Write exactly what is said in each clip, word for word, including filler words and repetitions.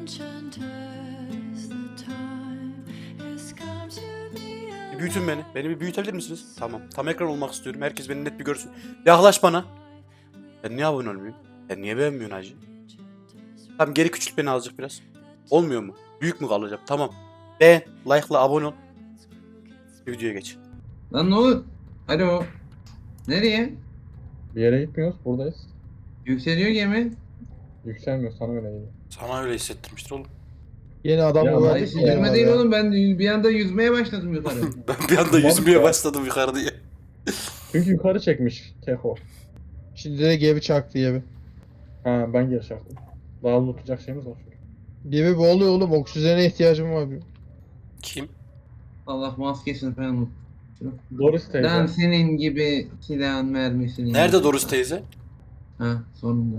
Bir büyütün beni. Beni bir büyütebilir misiniz? Tamam. Tam ekran olmak istiyorum. Herkes beni net bir görsün. Yaklaş bana. Ben niye abone olmuyorum? Ben niye beğenmiyorsun hacı? Tamam, geri küçült beni azıcık biraz. Olmuyor mu? Büyük mü kalacağım? Tamam. Beğen, like'la abone ol. Videoya geç. Lan ne olur? Alo. Nereye? Bir yere gitmiyoruz, buradayız. Yükseliyor gemi. Yükselmiyor, sana öyle geliyor. Sana öyle hissettirmiştir oğlum. Yeni adam Ya, mı Ay, verdik yüzme ya? değil oğlum, ben bir anda yüzmeye başladım yukarı. Ben bir anda Tamam yüzmeye ya. başladım yukarı diye. Çünkü yukarı çekmiş Keko. Şimdi de gemi çaktı gemi. Ha, ben geri çarptım. Daha unutacak şeyimiz var. Gemi boğuluyor oğlum, oksijene ihtiyacım var. Kim? Allah maskesini falan unut. Doris teyze. Lan senin gibi silahın mermisini. Nerede Doris teyze? Ha, sonunda.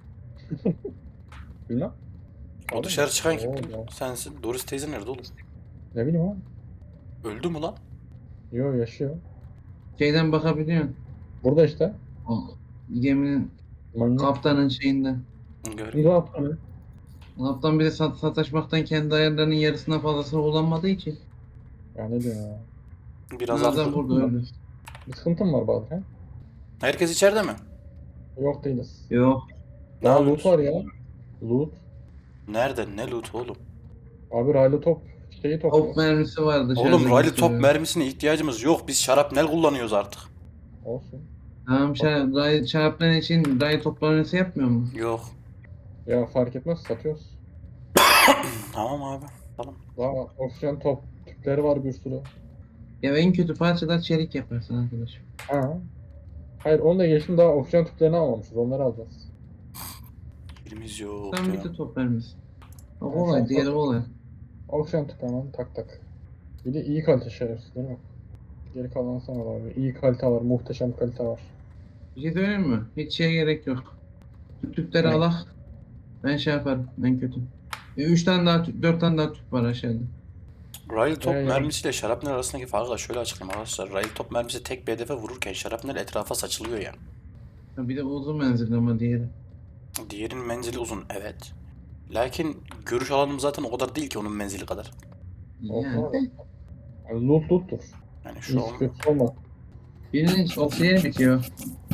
Bilmem. O dışarı çıkan kim? Oo, ya. Sensin. Doris teyze nerede oğlum? Ne bileyim abi. Öldü mü lan? Yo, yaşıyor. Şeyden bakabiliyorsun. Burada işte. O geminin Manyak. kaptanın şeyinden. Gör. Ne yaptın? Kaptan bir de sat sataşmaktan kendi ayarlarının yarısından fazlasını kullanmadığı için. Ya ne diyorsun ya? Biraz Bazen az. burada öyle. Bir sıkıntım var bazen. He? Herkes içeride mi? Yok değiliz. Yok. Ne Daha loot yapıyorsun? var ya. Loot. Nerede? Ne loot oğlum? Abi raylı top şeyi Top topluyor. mermisi var dışarıda. Oğlum raylı top gösteriyor. mermisine ihtiyacımız yok. Biz şarapnel kullanıyoruz artık. Olsun. Tamam, şey, ray, çarpman için ray toplanması yapmıyor mu? Yok. Ya fark etmez, satıyoruz. Tamam abi. Tamam. Daha oksijen top tüpleri var bir sürü. Ya en kötü parçalar çelik yaparsın arkadaş. Ha. Hayır, onu da geçtim, daha oksijen tüplerini almamışız. Onları alacağız. Elimiz yok Sen ya. bir de top mermisi. O Ya kolay, sen diğeri sat. kolay. Oksijen tüpü hemen tak tak. Bir de iyi kalite şerefsiz değil mi? Geri kalan sana var. İyi kalite var, muhteşem kalite var. Bir şey söyleyeyim mi? Hiç şeye gerek yok. Tüp tüpleri Ne? alak. Ben şey yaparım, en kötü. E, üç tane daha tüp, dört tane daha tüp var aşağıda. Raylı top Ee, yani- mermisiyle şarapnel arasındaki farkı da şöyle açıklayayım arkadaşlar. Raylı top mermisi tek bir hedefe vururken şarapnel etrafa saçılıyor yani. Ha, bir de uzun menzilli ama diğeri. Diğerinin menzili uzun, evet. Lakin görüş alanım zaten o kadar değil ki onun menzili kadar. Olsun Yani. abi. Yani loot loot'tur. Yani şu Hiç an kötü olmaz. Birinin oksijeni bitiyor.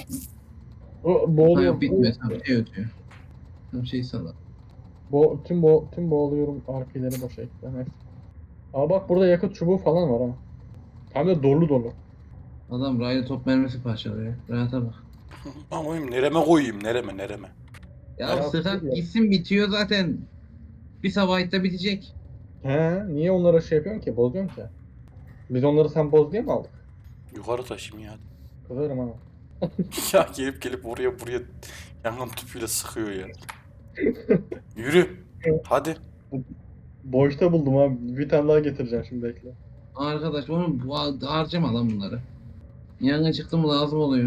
O Ha, boğuluyor. yok bitmiyor, tam şey ötüyor. Tam şey salak. Bo tüm bo tüm boğuluyorum, R P'leri boşa ekle. Neyse. Aa bak, burada yakıt çubuğu falan var ha. Hem de dolu dolu. Adam raylı top mermisi parçalıyor. Rahata bak. ben koyayım, nereme koyayım, nereme nereme. Ya Ya, sıkan ya. gitsin, bitiyor zaten. Bir sabahta bitecek. He, niye onlara şey yapıyorsun ki? Bozuyorsun ki. Biz onları sen boz diye mi aldık? Yukarı taşıyayım ya. Kızarım ha. Ya gelip gelip oraya buraya yangın tüpüyle sıkıyor ya. Yürü. Hadi. Boşta buldum abi. Bir tane daha getireceğim şimdi, bekle. Arkadaş onu bu- harcama lan bunları. Yangın çıktı mı lazım oluyor.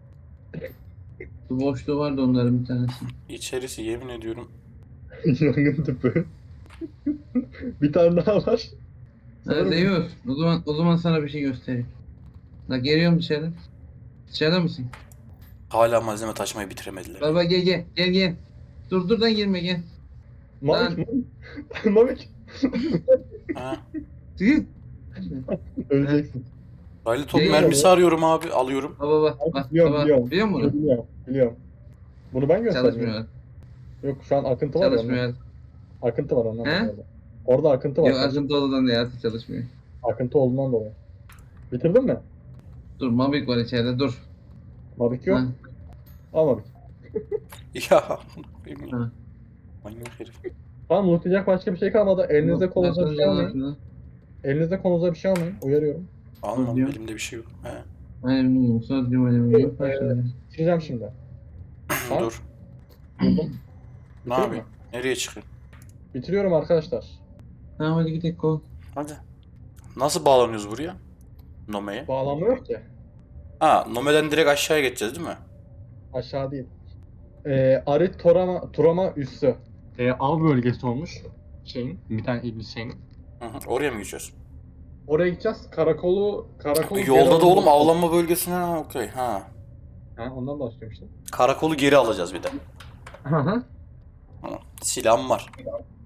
Bu boşluğu vardı onların bir tanesi. İçerisi yemin ediyorum. Yangın tüpü. Bir tane daha var. Sanırım- Nerede yok? O zaman, o zaman sana bir şey göstereyim. La geliyorum dışarı. Dışarıda mısın? Hala malzeme taşımayı bitiremediler. Baba gel gel gel gel. Dur dur da girme gel. Mavik mi? Mavik. Ha. Tüh. Öleceksin. Raylı top Değil mermisi arıyorum abi. Alıyorum. Baba bak bak Biliyorum, baba. biliyorum. Biliyor musun? Biliyorum, biliyorum. Bunu ben gösterdim. Çalışmıyor. Yok, şu an akıntı var ya. ondan. Çalışmıyor. Akıntı var ondan He? dolayı. Orada akıntı var. Yok akıntı odadan değil, artık çalışmıyor. Akıntı olduğundan dolayı. Bitirdin mi? Dur Mavik var içeride, dur. Mavik yok. Ha. Al Mavik. Ya. Ha. Manyak herif. Tamam, lootlayacak başka bir şey kalmadı. Elinizde Bak, kolunuza bir şey bakın almayın. altına. Elinizde kolunuza bir şey almayın. Uyarıyorum. Almam, Biliyorum. elimde bir şey yok. He. Alüminyum, sodyum alüminyum. Ee, Başladı. Bitireceğim şimdi. Ha? Dur. Buldum. Ne Bitireyim mi? yapayım? Nereye çıkayım? Bitiriyorum arkadaşlar. Tamam hadi gidelim kol. Hadi. Nasıl bağlanıyoruz buraya? Nome'ye. Bağlanmıyor ki. Ha, Nome'den direkt aşağıya geçeceğiz değil mi? Aşağı değil. Ee, Arit Torama, Turama üssü. Ee, av bölgesi olmuş. Şeyin, bir tane iblis şeyin. Hı hı. Oraya mı geçiyoruz? Oraya gideceğiz. Karakolu, karakolu geri Yolda da alacağız. oğlum avlanma bölgesine, ha okey ha. Ha, ondan bahsediyorum işte. Karakolu geri alacağız bir de. Hı hı. Hı. Silahım var.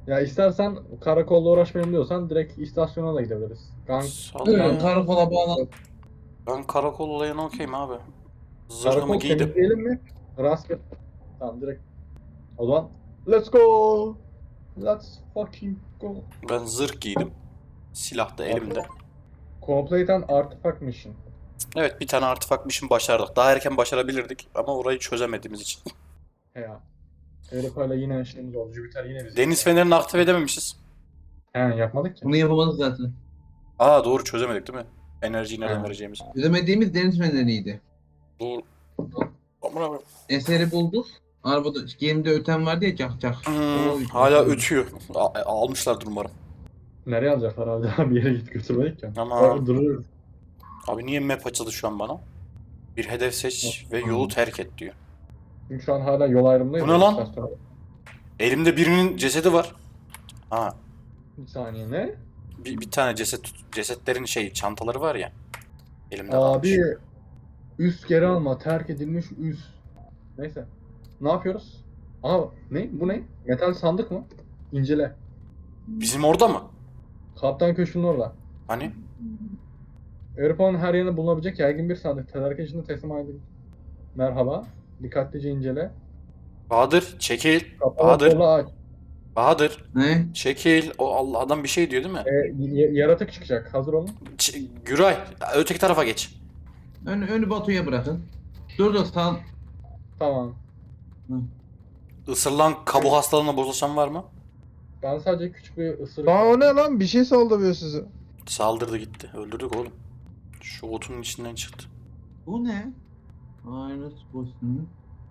Ya istersen karakolla uğraşmayayım diyorsan direkt istasyona da gidebiliriz. Gang Salla Buyurun ya. karakola bağlan. Ben karakol olayına okeyim abi. Zırhımı karakol giydim. temizleyelim mi? Rastgele. Tamam direkt. O zaman let's go. Let's fucking go. Ben zırh giydim. Silah da elimde. Complete an artifact mission. Evet, bir tane artifak mission başardık. Daha erken başarabilirdik ama orayı çözemediğimiz için. He ya. Avrupa'yla yine şeyimiz oldu. Jüpiter yine bizi. Deniz fenerini aktif edememişiz. He yapmadık ki. Bunu yapamadık zaten. Aa doğru, çözemedik değil mi? Enerjiyi nereden Ha. vereceğimiz. Çözemediğimiz deniz feneriydi. Doğru. Aman abi. Eseri bulduk. Arabada gemide öten vardı ya cak cak. Hmm, O- hala ötüyor. A- almışlardır umarım. Nereye alacaklar abi? Bir yere git götürmedik ya. Ama- Orada dururuz. Abi niye map açıldı şu an bana? Bir hedef seç ve yolu terk et diyor. Çünkü şu an hala yol ayrımındayız. Bu ne lan? İstasyona. Elimde birinin cesedi var. Ha, Bir saniye ne? bir, bir tane ceset tut- cesetlerin şey çantaları var ya. Elimde kalmış. Abi üst geri alma. Terk edilmiş üst. Neyse. Ne yapıyoruz? Aa ne? Bu ne? Metal sandık mı? İncele. Bizim orada mı? Kaptan köşkünün orada. Hani? Avrupa'nın her yerinde bulunabilecek yaygın bir sandık. Tedarik için teslim edildi. Merhaba. Dikkatlice incele. Bahadır çekil. Kapalı Bahadır. kola aç. Bahadır Ne? çekil. O Allah, adam bir şey diyor değil mi? E, y- yaratık çıkacak. Hazır olun. Ç- Güray öteki tarafa geç. Ön, önü Batu'ya bırakın. Dur dur sağ. Tamam. Isırılan kabuk hastalığına bozulsan var mı? Ben sadece küçük bir ısırık. Aa o ne lan? Bir şey saldırıyor sizi. Saldırdı gitti. Öldürdük oğlum. Şu otunun içinden çıktı. Bu ne? Ayrıt boşluğu.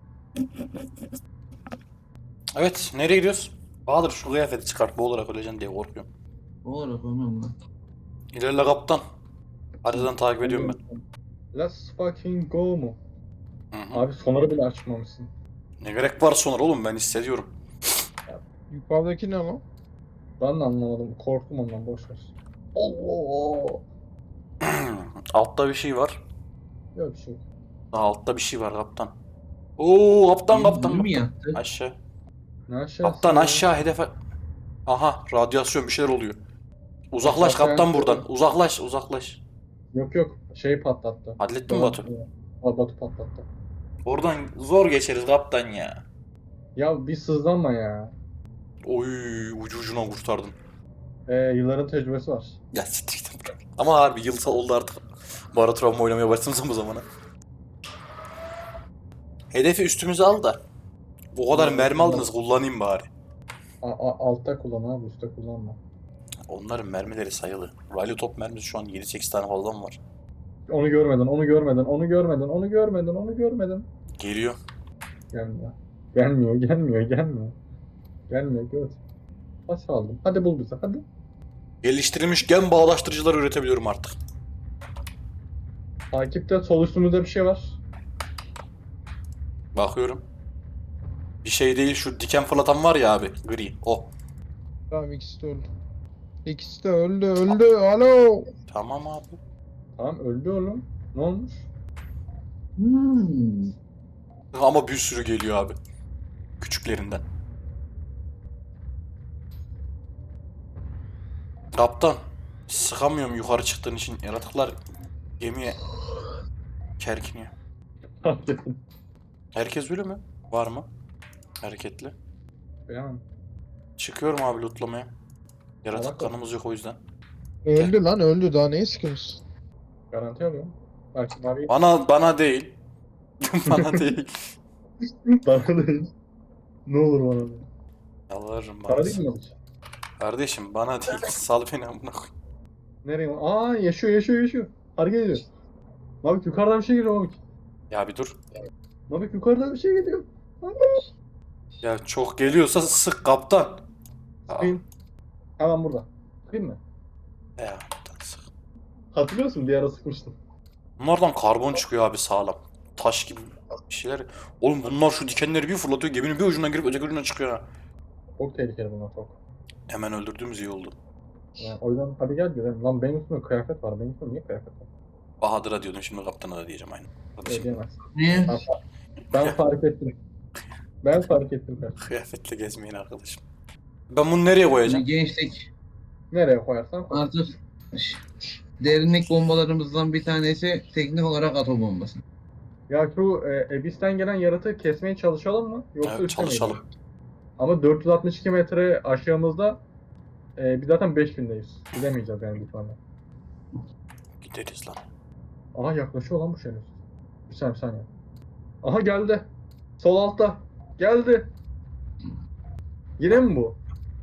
Evet, nereye gidiyoruz? Bahadır şu kıyafeti çıkart, boğularak öleceksin diye korkuyorum. Olarak önemli. İlerle kaptan. Haritadan takip ediyorum ben. Let's fucking go mu? Hı hı. Abi sonarı bile açmamışsın. Ne gerek var sonra oğlum, ben hissediyorum. Yukarıdaki ne lan? Ben de anlamadım. Korktum ondan boş ver. Allah. Altta bir şey var. Yok bir şey yok. Daha altta bir şey var kaptan. Oo kaptan kaptan. Bunu mu kaptan. yaptı? Aşağı. Ne aşağısı? Kaptan ya? aşağı hedefe. Aha radyasyon bir şeyler oluyor. Uzaklaş Aşağı kaptan aşağı. buradan. Uzaklaş uzaklaş. Yok yok. Şey patlattı. Hallettin mi Batu? Aa, Batu patlattı. Oradan zor geçeriz kaptan ya. Ya bir sızlanma ya. Oy ucu ucuna kurtardın. Ee, yılların tecrübesi var. Ya siktir git. Ama harbi yıl oldu artık. Bara travma oynamaya başlamışım bu zamana. Hedefi üstümüze al da. Bu kadar Hmm, mermi aldınız, kullanayım bari. A- a- altta kullan abi, üstte kullanma. Onların mermileri sayılı. Raylı top mermisi şu an yedi sekiz tane falan var. Onu görmedin, onu görmedin, onu görmedin, onu görmedin, onu görmedin. Geliyor. Gelmiyor. Gelmiyor, gelmiyor, gelmiyor. Gelmiyor, göt. Kaç aldım? Hadi bul bizi, hadi. Geliştirilmiş gen bağdaştırıcılar üretebiliyorum artık. Takipte sol üstümüzde bir şey var. Bakıyorum. Bir şey değil, şu diken fırlatan var ya abi, gri. O. Tamam ikisi de öldü. İkisi de öldü öldü. Alo. Tamam abi. Tamam öldü oğlum. Ne olmuş? Hmm. Ama bir sürü geliyor abi. Küçüklerinden. Kaptan. Sıkamıyorum yukarı çıktığın için. Yaratıklar gemiye kerkiniyor. Hakikaten. Herkes ölü mü? Var mı? Hareketli. Yani. Çıkıyorum abi lootlamaya. Yaratık Salak ol. kanımız yok o yüzden. Öldü lan öldü. Daha neyi sıkıyorsun? Garanti alıyorum. Belki var ya. Bana bana değil. Bana değil. Bana değil. Ne olur bana değil. Yalvarırım Para bana. değil mi alıcı? Kardeşim bana değil. Sal beni amına koy. Nereye? Aa yaşıyor, yaşıyor, yaşıyor. Hareket ediyor. Mabik yukarıdan bir şey geliyor Mabik. Ya bir dur. Mabik yukarıdan bir şey geliyor. Ya çok geliyorsa sık kaptan. Aa, Sıkayım. Hemen burada. Sıkayım mı? ya sık. Hatırlıyorsun bir ara sıkmıştım. Bunlardan karbon çıkıyor abi sağlam. Taş gibi bir şeyler. Oğlum bunlar şu dikenleri bir fırlatıyor. Geminin bir ucundan girip öteki ucundan çıkıyor ha. Çok tehlikeli bunlar çok. Hemen öldürdüğümüz iyi oldu. Yani o yüzden hadi gel gidelim. Lan benim üstümde kıyafet var. Benim üstümde niye kıyafet var? Bahadır'a diyordum, şimdi kaptana da diyeceğim aynı. Öyle Kardeşim, diyemez. Ne? Ben, fa- ben fark ettim. Ben fark ettim. kardeşim. kıyafetle gezmeyin arkadaşım. Ben bunu nereye Şimdi koyacağım? gençlik Nereye koyarsan koy. artık ş- derinlik bombalarımızdan bir tanesi teknik olarak atom bombası. Ya şu e, Abyss'ten gelen yaratığı kesmeye çalışalım mı? Yoksa Evet, üstte mi çalışalım. gidelim? Ama dört yüz altmış iki metre aşağımızda e, biz zaten beş bindeyiz. Gidemeyeceğiz yani bir tane. Gideriz lan. Aha yaklaşıyor lan bu şerif. Bir saniye bir saniye. Aha geldi. Sol altta. Geldi. Yine mi bu?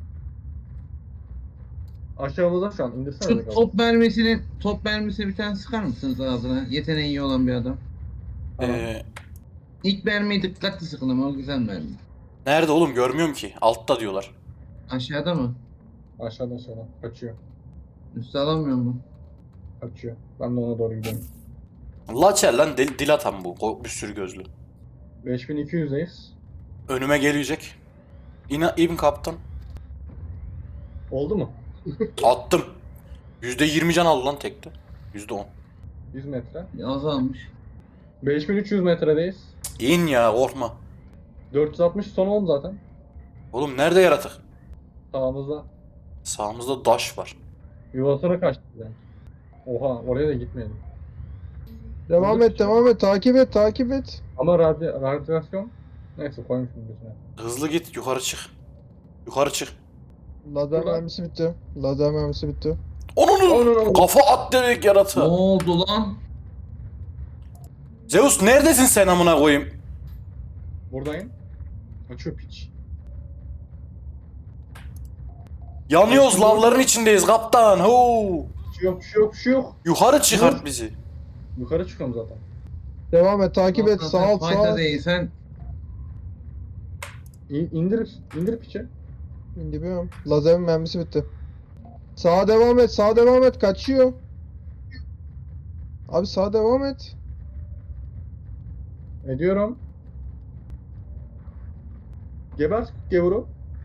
Aşağımızda şu an. İndirsene. Şu bakalım. top mermisini, top mermisini bir tane sıkar mısınız ağzına? Yeteneği iyi olan bir adam. Tamam. Ee, İlk mermiyi dikkatli sıkın ama o güzel mermi. nerede oğlum, görmüyorum ki. Altta diyorlar. Aşağıda mı? Aşağıdan aşağıdan. Kaçıyor. Üste alamıyor mu? Kaçıyor. Ben de ona doğru gidiyorum. Laçer lan, dil, dil atan bu. O bir sürü gözlü. beş bin iki yüzdeyiz. Önüme gelecek. İna, İbn kaptan. Oldu mu? Attım. yüzde yirmi can aldı lan tekte. yüzde on. yüz metre. Azalmış. beş bin üç yüz metredeyiz. İn ya, korkma. dört yüz altmış son oldu zaten. Oğlum nerede yaratık? Sağımızda. Sağımızda daş var. Yuvasına kaçtı yani. Oha oraya da gitmeyelim. Devam et devam et takip et takip et. Ama radyo, radyasyon neyse koymuşum gözüne. Hızlı git, yukarı çık. Yukarı çık. Lazer Şurada. mermisi bitti. Lazer mermisi bitti. Onun Onun kafa at demek Ne yaratığa. oldu lan? Zeus neredesin sen amına koyayım? buradayım. Açıyor piç. Yanıyoruz, lavların içindeyiz kaptan. Hoo. Bir şey yok, bir şey yok, bir şey yok. Yukarı çıkart bizi. Yukarı çıkıyorum zaten. Devam et takip et Zaten sağ alt sağ fayda alt. değilsen İn, indir, indir piçi. İndirmiyorum. Lazerin mermisi bitti. Sağa devam et sağa devam et kaçıyor. Abi sağa devam et. Ediyorum. Geber gevuru.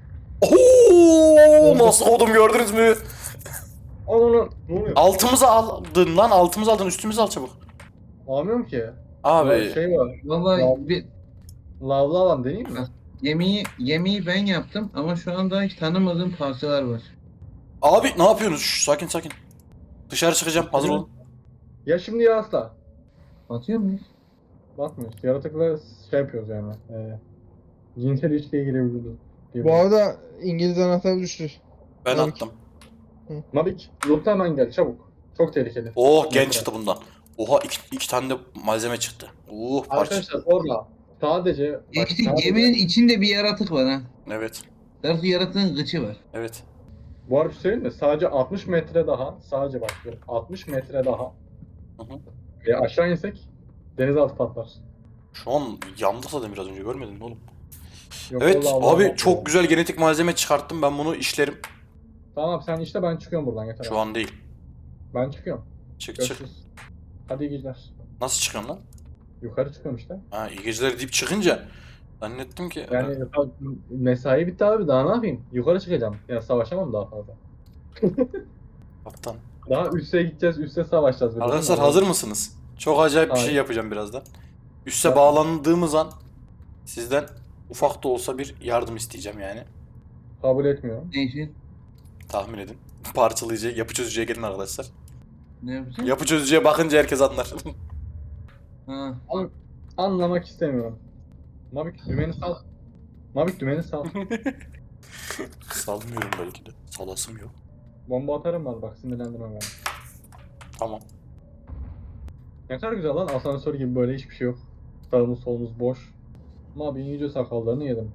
Oo, nasıl kodum gördünüz mü? Al onu. Ne oluyor? Altımıza aldın lan, altımıza aldın, üstümüze al çabuk. Almıyorum ki. Abi Şey var. vallahi Ya- bir Lavlı alan deneyeyim mi? gemiyi gemiyi ben yaptım ama şu anda hiç tanımadığım parçalar var. abi ne yapıyorsunuz? Şş, sakin sakin. Dışarı çıkacağım, hazır olun. Ya şimdi ya asla. Atıyor muyuz? Bakmıyoruz. Yaratıkla şey yapıyoruz yani. E, cinsel ilişkiye girebiliriz. Bu arada İngiliz anahtarı düştü. Ben Tabii attım. Mabik, loot'a hemen gel çabuk. Çok tehlikeli. Oh, gen çıktı bundan. Oha, iki, iki tane de malzeme çıktı. Oh, parça. Arkadaşlar orada sadece bak, Geçtik sadece- geminin içinde bir yaratık var ha. Evet, Belki yaratığın gıçı var. evet. Bu arada bir şey söyleyeyim mi? Sadece altmış metre daha, sadece bak diyorum, altmış metre daha Hı hı. ve aşağı insek denizaltı patlar. Şu an yandık zaten, biraz önce görmedin mi oğlum? Yok, Evet vallahi Allah abi, Allah. çok güzel genetik malzeme çıkarttım, ben bunu işlerim. Tamam sen işte ben çıkıyorum buradan yeter. Şu an değil. Ben çıkıyorum. Çık çık. Görüşürüz. Hadi iyi geceler. Nasıl çıkıyorum lan? Yukarı çıkıyorum işte. Ha, iyi geceler deyip çıkınca zannettim ki. Yani mesai bitti abi daha ne yapayım? Yukarı çıkacağım. Ya savaşamam daha fazla. Kaptan. Daha üste gideceğiz, üste savaşacağız. bir de, Arkadaşlar değil mi? hazır mısınız? Çok acayip bir şey Hayır. yapacağım birazdan. Üste Yap. bağlandığımız an sizden ufak da olsa bir yardım isteyeceğim yani. Kabul etmiyorum. Ne için? Tahmin edin. Parçalayıcı, yapı çözücüye gelin arkadaşlar. Ne yapacağız? Yapı çözücüye bakınca herkes anlar. Ha. Anlamak istemiyorum. Mabik dümeni sal. Mabik dümeni sal. Salmıyorum belki de. Salasım yok. Bomba atarım var bak sinirlendirme beni. Tamam. Ne kadar güzel lan asansör gibi böyle hiçbir şey yok. Sağımız solumuz boş. Ama bir iyice sakallarını yedim.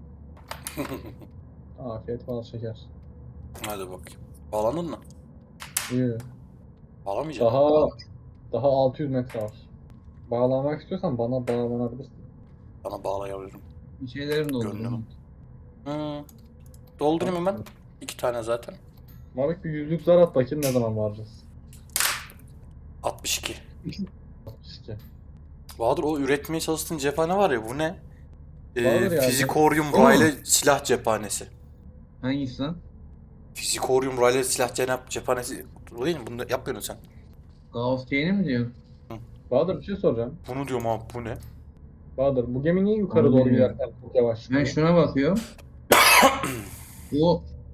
Afiyet bal şeker. Hadi bakayım. Bağlandın mı? İyi. Bağlamayacağım. Daha daha altı yüz metre var. Bağlanmak istiyorsan bana bağlanabilirsin. Bana bağlayabilirim. Bir şeylerim de oldu. Gönlüm. Hı. Doldurayım hemen. İki tane zaten. Mabik bir yüzlük zar at bakayım ne zaman varacağız. altmış iki. İşte. Bahadır, o üretmeye çalıştığın cephane var ya, bu ne? Ee, Bahadır ya, Fizikorium O mu? Rayleigh silah cephanesi. Hangisi lan? Fizikorium Rayleigh silah cenap cephanesi. Bu değil mi? Bunu da yapmıyorsun sen. Gauss chain'i mi diyorsun? Bahadır bir şey soracağım. Bunu diyorum abi, bu ne? Bahadır bu gemi niye yukarı Onu doğru bilmiyorum. giderken çok yavaş Ben çıkıyor? şuna bakıyorum. O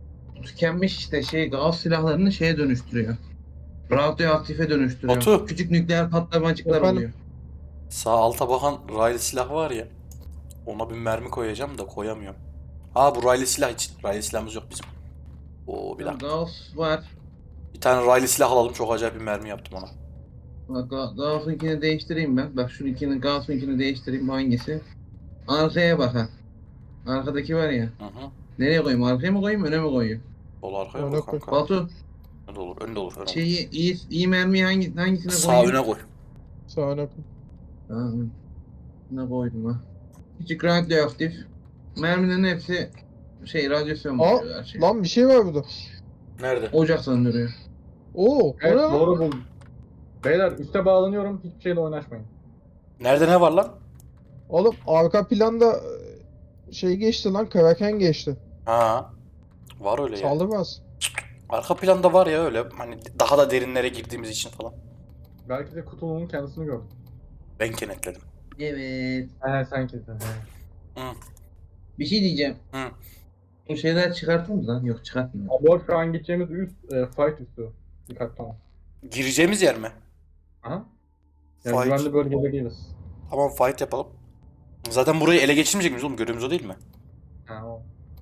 tükenmiş işte şey gaz silahlarını şeye dönüştürüyor. Radyoaktife dönüştürüyor. Batu. Küçük nükleer patlamacıklar Efendim? oluyor. Sağ alta bakan raylı silah var ya. Ona bir mermi koyacağım da koyamıyorum. Ha bu raylı silah için. Raylı silahımız yok bizim. Oo bir dakika. Gaz var. Bir tane raylı silah alalım. Çok acayip bir mermi yaptım ona. Bak Ga- Gauss'unkini değiştireyim ben. Bak şu ikini Gauss'unkini değiştireyim. Bu hangisi? Arkaya bak ha. Arkadaki var ya. Hı hı. Nereye koyayım? Arkaya mı koyayım? Öne mi koyayım? Sol arkaya Öne koy koy. kanka. Batu Önde olur. Önde olur. Önde olur. şeyi iyi, iyi mermiyi hangi, hangisine Sağ koyayım? öne koy. Sağına koy. Tamam. Ne koydum ha? Küçük radyoaktif. Mermilerin hepsi şey radyasyon Aa, buluyor her şey. Lan bir şey var burada. Nerede? Ocak söndürüyor. Oo, o Evet ne lan? doğru buldum. Beyler üste bağlanıyorum. Hiçbir şeyle oynaşmayın. Nerede ne var lan? Oğlum arka planda e, şey geçti lan, Kraken geçti. Ha. Var öyle ya. Saldırmaz. Arka planda var ya öyle. Hani daha da derinlere girdiğimiz için falan. Belki de kutuluğun kendisini gördüm. Ben kenetledim. Evet. He sen kesin. He. Bir şey diyeceğim. Hı. Bu şeyler çıkartır mı lan? Yok çıkartmıyor. Abi şu an gideceğimiz üst e, fight üstü. Dikkat tamam. Gireceğimiz yer mi? Aha. Yani Fight. güvenli bölgede değiliz. Tamam fight yapalım. Zaten burayı ele geçirmeyecek miyiz oğlum? Görevimiz o değil mi? Ha o.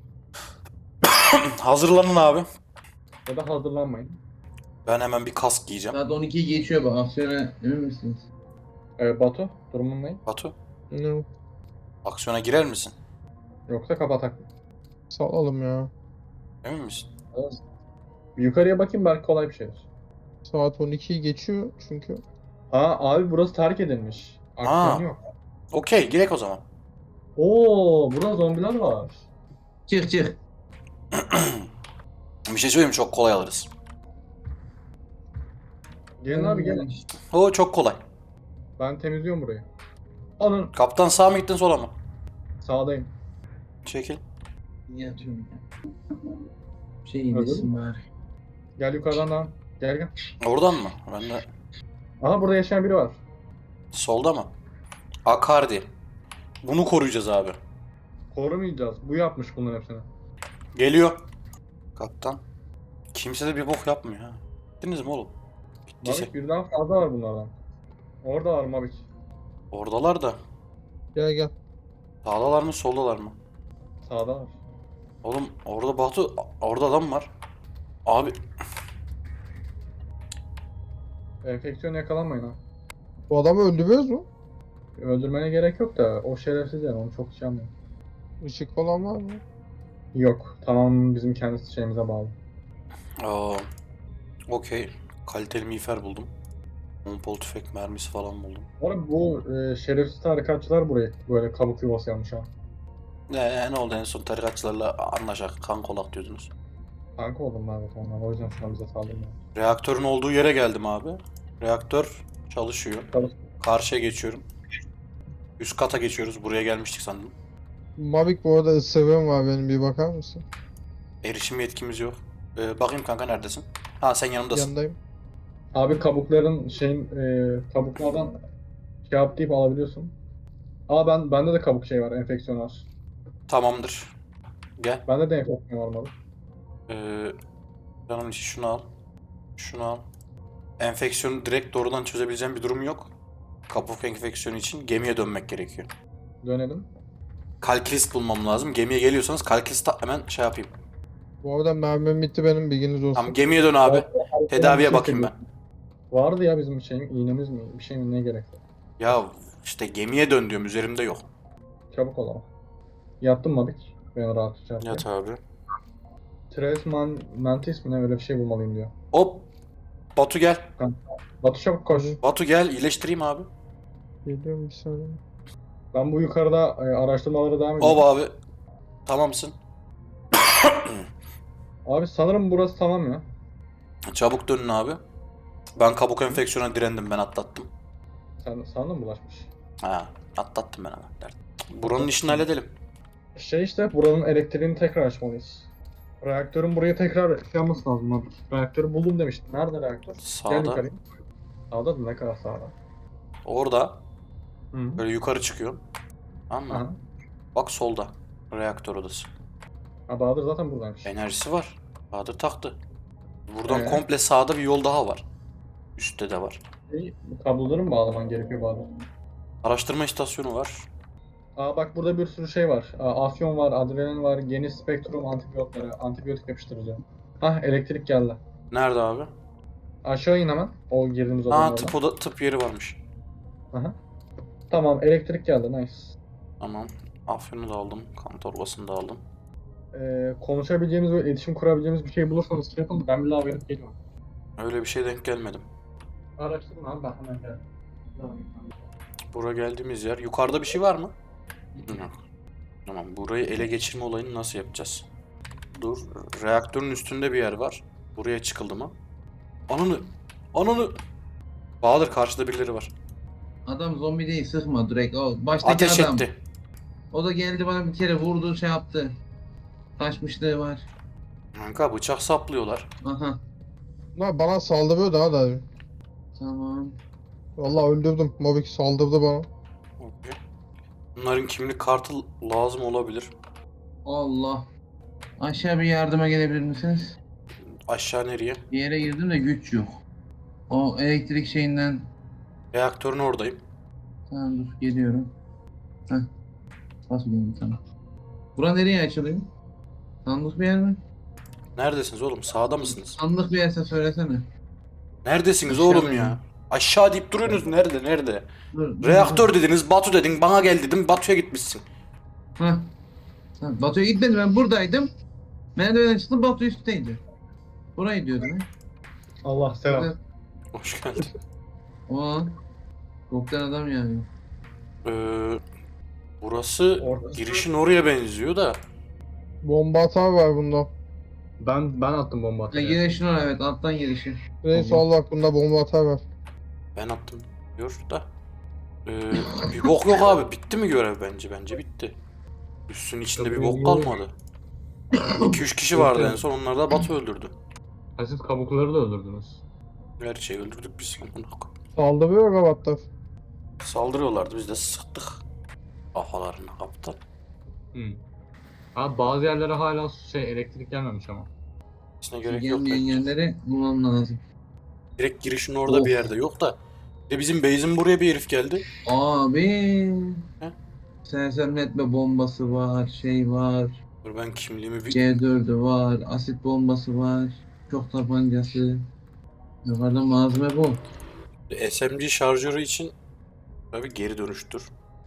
Hazırlanın abi. Ya da hazırlanmayın. Ben hemen bir kask giyeceğim. Saat on ikiyi geçiyor bak. Aksiyona emin misiniz? Ee, Batu durumun ne? Batu, Ne? aksiyona girer misin? Yoksa kapatak mı? Salalım ya. Emin misin? Evet. Bir yukarıya bakayım belki kolay bir şeydir. Saat on ikiyi geçiyor çünkü. Ha abi burası terk edilmiş. Ha. Aksiyon yok. Okey, girek o zaman. Oo burada zombiler var. Çık çık. Bir şey söyleyeyim mi? Çok kolay alırız. Gelin abi gelin. O çok kolay. Ben temizliyorum burayı. Alın. Kaptan sağ mı gittin sola mı? Sağdayım. Çekil. Yatıyorum ya. Şey Öldün indirsin bari. Gel yukarıdan devam. Gel gel. Oradan mı? Ben de Aha burada yaşayan biri var. solda mı? Akardi. Bunu koruyacağız abi. Korumayacağız. Bu yapmış bunların hepsini. Geliyor. Kaptan. Kimse de bir bok yapmıyor ha. Gittiniz mi oğlum? Bittiyse. Mavik birden fazla var bunlardan. Orada var Mavik. Oradalar da. Gel gel. Sağdalar mı soldalar mı? Sağda var. Oğlum orada Batu, orada adam var. Abi Enfeksiyon yakalanmayın ha. Bu adamı öldürüyoruz mu? Öldürmene gerek yok da o şerefsiz yani onu çok şey anlıyor. Işık falan var mı? Yok. Tamam bizim kendi şeyimize bağlı. aa, okey. Kaliteli miğfer buldum. Pompalı tüfek mermisi falan buldum. Bu arada bu e, şerefsiz tarikatçılar burayı böyle kabuk yuvası yapmış ha. Ne, ne oldu en son tarikatçılarla anlaşak, kan kolak diyordunuz. Kanka oldum ben zaten onlar. O yüzden şu an bize saldırmıyor. Reaktörün olduğu yere geldim abi. Reaktör çalışıyor. Çalış. Karşıya geçiyorum. Üst kata geçiyoruz. Buraya gelmiştik sandım. Mavic bu arada ısırığım var benim, bir bakar mısın? Erişim yetkimiz yok. Ee, bakayım kanka neredesin? Ha sen yanımdasın. Yanındayım. Abi kabukların şeyin e, kabuklardan şey yap deyip alabiliyorsun. Aa ben bende de kabuk şey var, enfeksiyon var. Tamamdır. Gel. Bende de enfeksiyon var mı? Ee, canım için şunu al. Şunu al. Enfeksiyonu direkt doğrudan çözebileceğim bir durum yok. Kabuk enfeksiyonu için gemiye dönmek gerekiyor. Dönelim. Kalkilist bulmam lazım. Gemiye geliyorsanız kalkilist hemen şey yapayım. Bu arada mermim bitti benim, bilginiz olsun. Tamam gemiye dön abi. Tedaviye bakayım ben. Vardı ya bizim şeyim, iğnemiz mi? Bir şey mi ne gerek? Ya işte gemiye dön diyorum, üzerimde yok. Çabuk ol ama. Yattın mı Mabik? Ben rahatça yapayım. Yat abi. Tres man, mantis mi ne öyle bir şey bulmalıyım diyor. Hop. Batu gel. Batu çabuk koş. Hadi. Batu gel, iyileştireyim abi. Geliyorum bir saniye. Ben bu yukarıda e, araştırmalara devam ediyorum. Hop abi. Tamamsın. Abi sanırım burası tamam ya. Çabuk dönün abi. Ben kabuk enfeksiyona direndim, ben atlattım. Sen sana mı bulaşmış? Ha, atlattım ben hemen. Dert. Buranın işini halledelim. Şey işte buranın elektriğini tekrar açmalıyız. Reaktörün buraya tekrar şey yapması lazım abi. Reaktörü buldum demiştim. Nerede reaktör? Gel Sağda. yukarı. Sağda da ne kadar sağda? Orada. Hı. Böyle yukarı çıkıyor. Tamam mı? Aha. Bak solda. Reaktör odası. Ha Bahadır zaten buradaymış. Enerjisi var. Bahadır taktı. Buradan Ee? komple sağda bir yol daha var. Üstte de var. Şey, bu kabloları mı bağlaman gerekiyor bazen? Araştırma istasyonu var. Aa bak burada bir sürü şey var. Aa, afyon var, adrenalin var, geniş spektrum antibiyotları, antibiyotik yapıştırıcı. Hah elektrik geldi. Nerede abi? Aşağı in hemen. O girdiğimiz odanın Ha oradan. tıp, oda, tıp yeri varmış. Aha. Tamam elektrik geldi nice. Tamam. Afyonu da aldım. Kan torbasını da aldım. Ee, konuşabileceğimiz ve iletişim kurabileceğimiz bir şey bulursanız şey yapın. Ben bir daha verip geliyorum. Öyle bir şey denk gelmedim. Araştırın abi ben hemen geldim. Buraya geldiğimiz yer. Yukarıda bir şey var mı? Yok. Tamam. Burayı ele geçirme olayını nasıl yapacağız? Dur. Reaktörün üstünde bir yer var. Buraya çıkıldı mı? Ananı. Ananı. Bahadır karşıda birileri var. Adam zombi değil, sıkma direkt. O baştaki Ateş adam. etti. O da geldi bana bir kere vurdu, şey yaptı. Kaçmışlığı var. Kanka bıçak saplıyorlar. Aha. Lan bana saldırıyor daha da. Tamam. Vallahi öldürdüm. Mobik saldırdı bana. Okey. Bunların kimlik kartı lazım olabilir. Allah. Aşağı bir yardıma gelebilir misiniz? Aşağı nereye? Bir yere girdim de güç yok. O elektrik şeyinden. Reaktörün oradayım. Tamam dur geliyorum. Heh. Nasıl geldim tamam. Bura nereye açılıyor? Sandık bir yer mi? Neredesiniz oğlum? Sağda mısınız? Sandık bir yerse söylesene. Neredesiniz Aşağıda oğlum ya? yani. Aşağı deyip duruyorsunuz. Nerede? Nerede? Dur, dur, Reaktör dediniz, Batu dedin, bana gel dedim, Batu'ya gitmişsin. dur. Heh. Tamam, Batu'ya gitmedim, ben buradaydım. Merdivenden çıktım, Batu üstteydi. Burayı diyordum ya. Allah selam. Evet. Hoş geldin. O Koktan adam yani. Ee, burası Orası- girişin oraya benziyor da. Bomba atar var bunda. Ben ben attım bomba Ha, atıyor. girişin oraya, evet, alttan girişi. Reis Tamam. al bak bunda bomba atar var. Ben attım diyor da. Ee, bir bok yok abi. Bitti mi görev bence? Bence bitti. Üstün içinde bir bok kalmadı. iki üç kişi vardı en son. Onları da Batu öldürdü. Ha, siz kabukları da öldürdünüz. Her şeyi öldürdük biz. Amına koyayım. Saldırıyor gavatlar. Saldırıyorlardı. Biz de sıktık. Kafalarına kaptan. Hı. Abi bazı yerlere hala şey elektrik gelmemiş ama. İçine gerek yok. Gelmeyen bence. yerleri bulmam lazım. Direkt girişin orada Of. bir yerde yok da. Bir de bizim base'in buraya bir herif geldi. Abi. He? Sersemletme bombası var, şey var. Dur ben kimliğimi bir... C dördü var, asit bombası var. Çok tabancası. Yukarıda malzeme bol. S M G şarjörü için tabii geri dönüştür.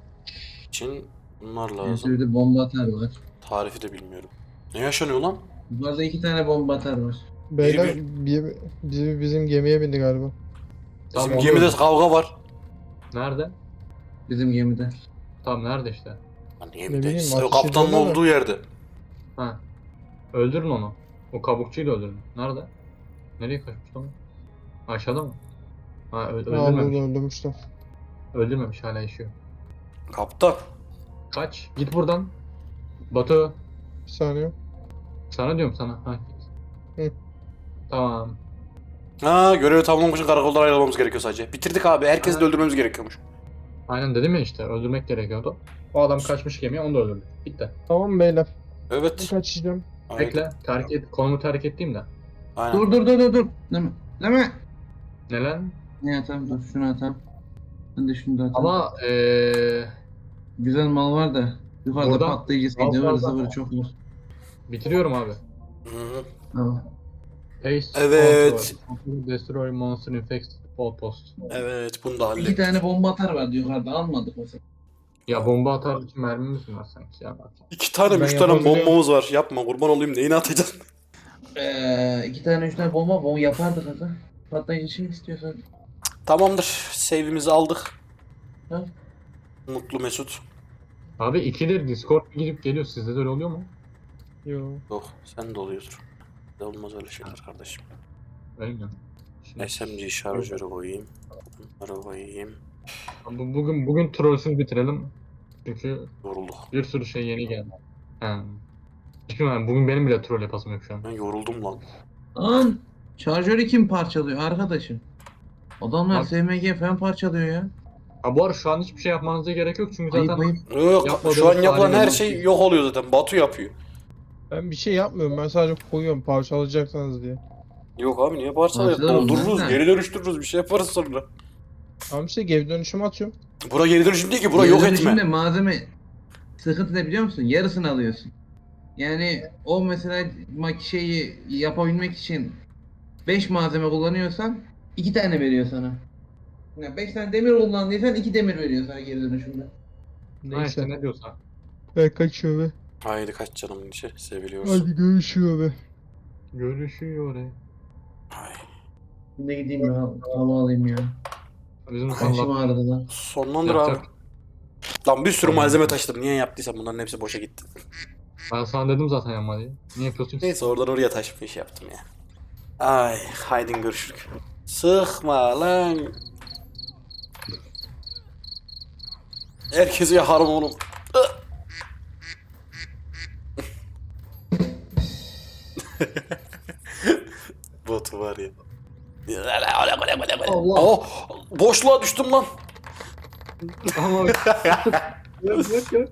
için bunlar lazım. Bir de bomba atar var. Tarifi de bilmiyorum. Ne yaşanıyor lan? Yukarıda iki tane bomba atar var. Beyler Biri bir, biri bizim gemiye bindi galiba. Bizim Tamam, gemide oluyor. kavga var. Nerede? Bizim gemide. Tam nerede işte? Lan niye Ne bir de bileyim, işte ateş kaptanın ediyorlar da. olduğu yerde. Ha. Öldürün onu. O kabukçuyu da öldürün. Nerede? Nereye kaçmış lan? Aşağıda mı? Ha ö- Aa burada öldürmemiş. öldürmüşler. Öldürmemiş hala yaşıyor. Kaptan. Kaç. Git buradan. Batu. Bir saniye. Sana diyorum sana. Ha. Hı. Tamam. Ha görevi tamamlamak için karakoldan ayrılmamız gerekiyor sadece. Bitirdik abi. Herkesi de Ha. öldürmemiz gerekiyormuş. Aynen dedim ya işte öldürmek gerekiyordu. O adam kaçmış gemiye onu da öldürdük. Bitti. Tamam beyler. Ben Evet. kaçacağım. Aynen. Bekle. Terk et. Konumu terk ettiğim de. Aynen. Dur dur dur dur dur. Deme. Deme. Neler? Ne atam dur şunu atam. Ben de şunu da atam. Ama eee Güzel mal var da. Yukarıda Buradan patlayıcı mal ıvır fazla. zıvır çok var. bitiriyorum abi. Hı-hı. Tamam. Paste. Evet. control, Destroy monster infected outpost. Evet bunu da İki hallettik. tane bomba atar vardı yukarıda almadık mesela. Ya bomba atar için mermimiz mi var sanki ya? İki tane, Ben üç tane yapabiliyorum. bombamız var. Yapma kurban olayım. Neyini atacaksın? Ee, iki tane üç tane bomba bomba yapardık aga. Patlayıcı şey istiyorsan. Tamamdır. Save'imizi aldık. Ha? Mutlu Mesut. Abi ikidir Discord gidip geliyor. Sizde de öyle oluyor mu? Yo. Yok sen de oluyordur. Ne olmaz öyle şeyler kardeşim. Öyle mi? Şimdi- S M G şarjörü koyayım. Bunları koyayım. Bu- Bugün bugün trollsüz bitirelim. Çünkü Yorulduk. bir sürü şey yeni geldi. He. Çünkü ben bugün benim bile troll yapasım yok şu an. Ben yoruldum lan. Lan şarjörü kim parçalıyor arkadaşım? Adamlar Abi- S M G falan parçalıyor ya. Ha bu arada şu an hiçbir şey yapmanıza gerek yok çünkü Ayıp zaten ayıp. Yok Yapmadığımız şu an yapılan her tarihe şey bak. yok oluyor zaten. Batu yapıyor. Ben bir şey yapmıyorum. Ben sadece koyuyorum parçalayacaksanız diye. Yok abi niye parçalayıp Parçalar doldururuz, olmaz da. geri dönüştürürüz, bir şey yaparız sonra. Tamam işte geri dönüşüm atıyorum. Bura geri dönüşüm değil ki, bura Geri yok dönüşümde etme. malzeme sıkıntı ne biliyor musun? Yarısını alıyorsun. Yani o mesela mak şeyi yapabilmek için beş malzeme kullanıyorsan iki tane veriyor sana. Yani beş tane demir kullandıysan iki demir veriyor sana geri dönüşümde. Ha işte Neyse. ne diyorsan. Ben kaçıyorum be. Haydi kaç canımın içi, seviliyorsun. Hadi görüşüyor be. Görüşüyor he. Ay. Şimdi gideyim ya hava alayım ya. Bizim Başım sonlar ağrıdı lan. Sonlandır Yap, abi. yap. Lan bir sürü Tamam. malzeme taşıdım. Niye yaptıysam bunların hepsi boşa gitti. Ben sana dedim zaten yapma diye. Niye yapıyorsun ki? Neyse oradan oraya taşıp iş yaptım ya. Ay haydin görüşürük. Sıkma lan. Herkesi yakarım oğlum. Botu var ya. Allah. Oh, boşluğa düştüm lan. Ama gel gel gel.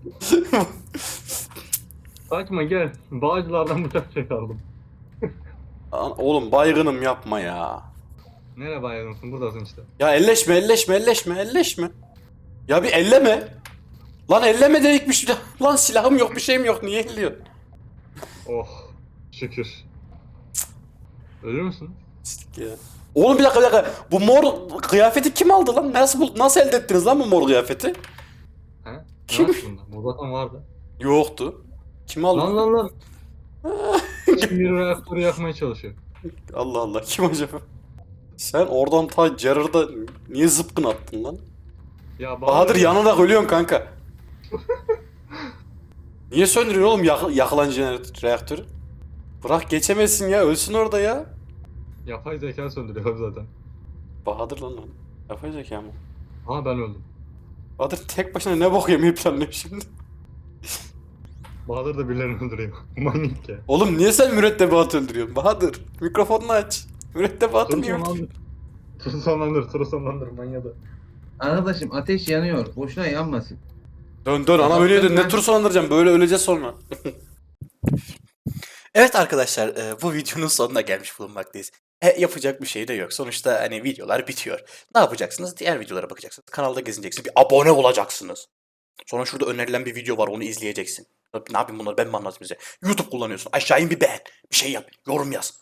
Kaçma gel. Bağcılardan bıçak çıkardım. Lan oğlum baygınım yapma ya. Nereye bayılıyorsun? Buradasın işte. Ya elleşme elleşme elleşme elleşme. Ya bir elleme. Lan elleme dedikmiş. Lan silahım yok bir şeyim yok niye elliyor? Oh. Şükür. Ölür müsün? Ya. Oğlum bir dakika bir dakika. Bu mor kıyafeti kim aldı lan? Nasıl bul- nasıl elde ettiniz lan bu mor kıyafeti? He? Ne Kim? var bunda? Bu zaten vardı. Yoktu. Kim aldı? Lan lan lan. Kim bir reaktörü yakmaya çalışıyor? Allah Allah kim acaba? Sen oradan ta Gerard'a niye zıpkın attın lan? Ya Bahadır yanarak ölüyorsun kanka. Niye söndürüyorsun oğlum yak yakılan jeneratör reaktörü? Bırak geçemezsin ya ölsün orada ya. Yapay zeka söndürüyor zaten. Bahadır lan lan. Yapay zeka mı? Ama ben öldüm. Bahadır tek başına ne bok yemeyi planlıyor şimdi? Bahadır da birilerini öldürüyor. Manyak ya. Oğlum niye sen mürettebatı öldürüyorsun? Bahadır mikrofonunu aç. Mürettebatı Turu niye öldürüyorsun? sonlandır. Turu sonlandır, turu sonlandır manyadı. Arkadaşım ateş yanıyor. Boşuna yanmasın. Dön dön ana Bak, ölüyordun ben- ne tur sonlandıracağım böyle öleceğiz sonra. Evet arkadaşlar e, bu videonun sonuna gelmiş bulunmaktayız. E, yapacak bir şey de yok. Sonuçta hani videolar bitiyor. Ne yapacaksınız? Diğer videolara bakacaksınız. Kanalda gezineceksiniz. Bir abone olacaksınız. Sonra şurada önerilen bir video var onu izleyeceksin. Ne yapayım bunları ben mi anlatayım size? YouTube kullanıyorsun. Aşağı in bir beğen. Bir şey yap. Yorum yaz.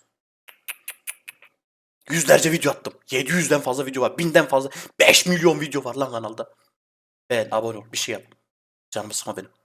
Yüzlerce video attım. yedi yüzden fazla video var. binden fazla. beş milyon video var lan kanalda. Beğen, abone ol. Bir şey yap. Canımı sıkma benim.